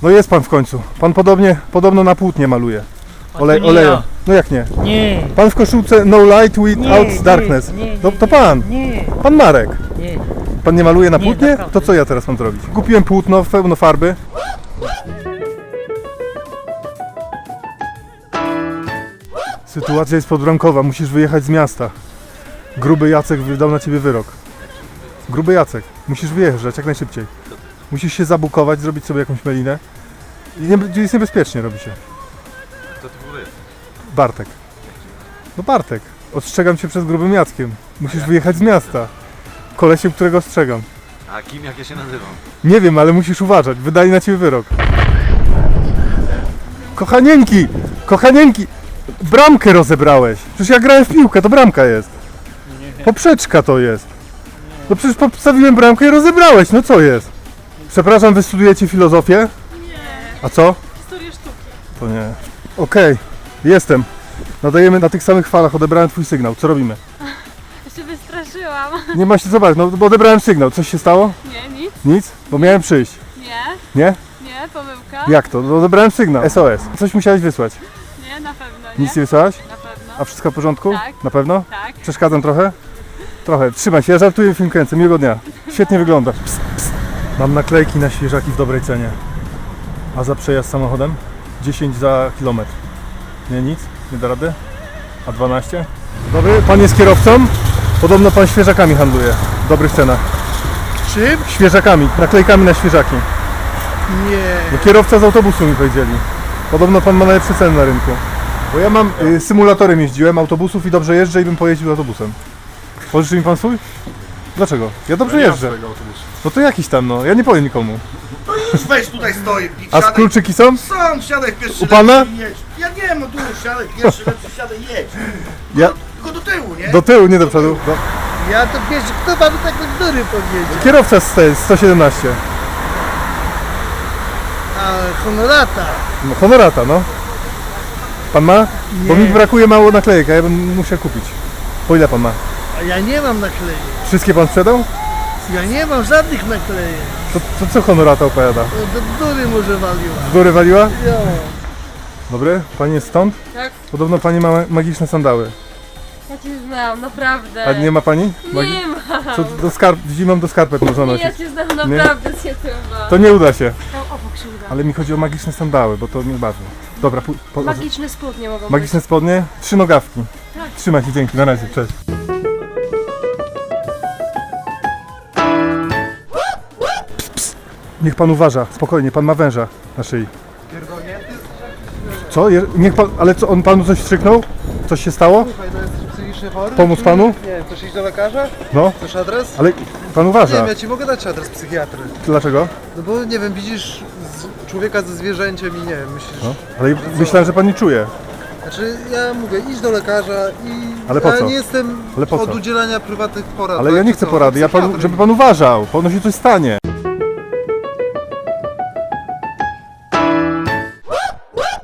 No jest pan w końcu. Pan podobno na płótnie maluje. nie Oleju. ja. No jak nie? Nie. Pan w koszulce No Light Without Darkness. No to pan. Nie. Pan Marek. Nie. Pan nie maluje na Nie, płótnie? naprawdę. To co ja teraz mam zrobić? Kupiłem płótno, pełno farby. Sytuacja jest podbramkowa, musisz wyjechać z miasta. Gruby Jacek wydał na ciebie wyrok. Gruby Jacek, musisz wyjeżdżać jak najszybciej. Musisz się zabukować, zrobić sobie jakąś melinę. I jest niebezpiecznie, robi się. Kto to w ogóle jest? Bartek. No Bartek, ostrzegam cię przed grubym Jackiem. Musisz wyjechać z miasta. Kolesiem, którego ostrzegam. A kim, jak ja się nazywam? Nie wiem, ale musisz uważać. Wydali na ciebie wyrok. Kochanieńki! Kochanieńki! Bramkę rozebrałeś. Przecież ja grałem w piłkę, to bramka jest. Poprzeczka to jest. No przecież postawiłem bramkę i rozebrałeś. No co jest? Przepraszam, wy studujecie filozofię? Nie, A co? historię sztuki. To nie. Okej, jestem. Nadajemy na tych samych falach, odebrałem twój sygnał. Co robimy? Ja się wystraszyłam. Nie ma się zobaczyć, no bo odebrałem sygnał. Coś się stało? Nie, nic. Nic? Bo miałem przyjść. Nie, Nie? nie, pomyłka. Jak to? No odebrałem sygnał. SOS. Coś musiałeś wysłać. Nie, na pewno nie. Nic nie wysłałaś? Na pewno. A wszystko w porządku? Tak. Na pewno? Tak. Przeszkadzam trochę? Trochę. Trzymaj się, ja żartuję, film kręcę. Miłego dnia. Świetnie wyglądasz. Psst, psst. Mam naklejki na świeżaki w dobrej cenie. A za przejazd samochodem? 10 za kilometr. Nie, nic? Nie da rady? A 12? Dobry, pan jest kierowcą? Podobno pan świeżakami handluje. W dobrych cenach. Czym? Świeżakami, naklejkami na świeżaki. Nie. No, kierowca z autobusu mi powiedzieli. Podobno pan ma najlepsze ceny na rynku. Bo ja mam symulatorem jeździłem autobusów i dobrze jeżdżę i bym pojeździł autobusem. Pożyczy mi pan swój? Dlaczego? Ja dobrze jeżdżę. No to jakiś tam, no. Ja nie powiem nikomu. No już weź tutaj stoi. A Siadaj. kluczyki są? Sam siadaj pierwszy U pana? lepszy i jedź. Ja nie no tu siadaj pierwszy lepszy, siadaj i jedź. Ja Tylko do tyłu, nie? do tyłu, nie do przodu. Do... Ja to wiesz, kto panu tak do góry powiedział? Kierowca z 117. A honorata. No, honorata, no. Pan ma? Bo mi brakuje mało naklejek, a ja bym musiał kupić. Po ile pan ma? A ja nie mam naklejek. Wszystkie pan sprzedał? Ja nie mam żadnych naklejek. To co honorata opowiada? To do góry może waliła. Z góry waliła? Jo. Dobry, pani jest stąd? Tak. Podobno pani ma magiczne sandały. Ja cię znam, naprawdę. A nie ma pani? Nie mam. Co zimą do skarpet można Nie, nosić. ja cię znam naprawdę, się chyba. To nie uda się. Tam obok się uda. Ale mi chodzi o magiczne sandały, bo to mnie bawi. Dobra, Magiczne spodnie mogą magiczne spodnie, 3 nogawki. Trzymaj się, dzięki, na razie, cześć. Ps. Niech pan uważa, spokojnie, pan ma węża na szyi. Co? Niech pan, ale co, on panu coś wstrzyknął? Coś się stało? Słuchaj, no jesteś psychicznie chory? Pomóc Czy- panu? Nie wiem, chcesz iść do lekarza? No, Chcesz adres? ale pan Nie uważa. wiem, ja ci mogę dać adres psychiatry. Dlaczego? No bo nie wiem, widzisz człowieka ze zwierzęciem i nie wiem, myślisz... No, ale myślałem, że pan nie czuje. Znaczy, ja mówię, idź do lekarza i... Ale po ja co? nie jestem Ale po od co? udzielania prywatnych porad. Ale tak, ja nie czy chcę co? porady, ja panu, Psychiatry. żeby pan uważał, panu się coś stanie.